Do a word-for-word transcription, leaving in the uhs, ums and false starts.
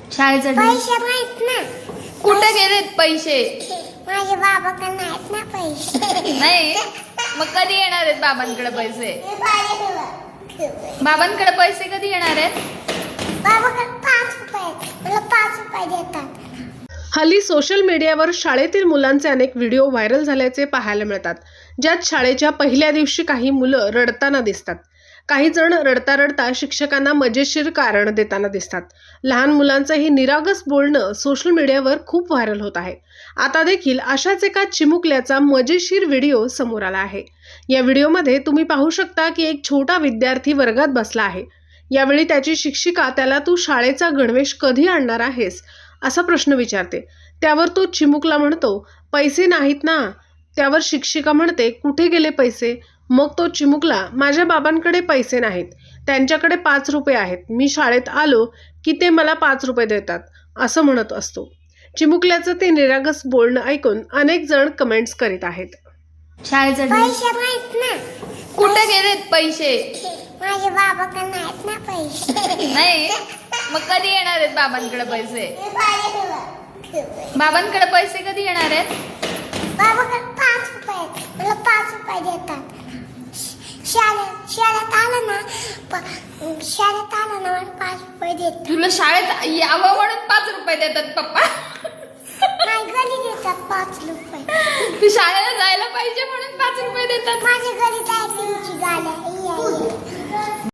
शाळेचा पैसे माहित ना. कुठे गेलेत पैसे? माझे बाबाकडे नाहीत ना पैसे. नाही मग कधी येणार आहेत बाबांकडे पैसे? बाबांकडे पैसे कधी येणार आहेत? बाबाकडे पाच रुपये आहेत. मला पाच रुपये देतात. हल्ली सोशल मीडियावर शाळेतील मुलांचे अनेक व्हिडिओ व्हायरल झाल्याचे पाहायला मिळतात, ज्यात शाळेच्या पहिल्या दिवशी काही मुलं रडताना दिसतात. काही जण रडता रडता शिक्षकांना मजेशीर कारण देताना दिसतात. लहान मुलांचं हे निरागस बोलणं सोशल मीडियावर खूप व्हायरल होत आहे. आता देखील अशाच एका चिमुकल्याचा मजेशीर व्हिडिओ समोर आला आहे. या व्हिडिओमध्ये तुम्ही पाहू शकता की एक छोटा विद्यार्थी वर्गात बसला आहे. यावेळी त्याची शिक्षिका त्याला तू शाळेचा गणवेश कधी आणणार आहेस असा प्रश्न विचारते. त्यावर तो चिमुकला म्हणतो, पैसे नाहीत ना. त्यावर शिक्षिका म्हणते, कुठे गेले पैसे? मग तो चिमुकला, माझ्या बाबांकडे पैसे नाहीत, त्यांच्याकडे पाच रुपये आहेत, मी शाळेत आलो की ते मला पाच रुपये देतात असं म्हणत असतो. चिमुकल्याचं ते निरागस बोलणं ऐकून अनेक जण कमेंट्स करीत आहेत. शाळेचा पैसे माहित ना. कुठे गेलेत पैसे? माझे बाबाकडे नाहीत ना पैसे. नाही मग कधी येणार आहेत बाबांकडे पैसे? बाबांकडे पैसे कधी येणार आहेत? बाबाकडे पाच रुपये आहेत. मला पाच रुपये देतात. शाळेत शाळेत आलं ना प- शाळेत आलं ना मला पाच रुपये देतात. तुला शाळेत यावं म्हणून पाच रुपये देतात पप्पा? नाही घरी देतात पाच रुपये. तू शाळेला जायला पाहिजे म्हणून पाच रुपये देतात? माझ्या घरी जायची गाड्या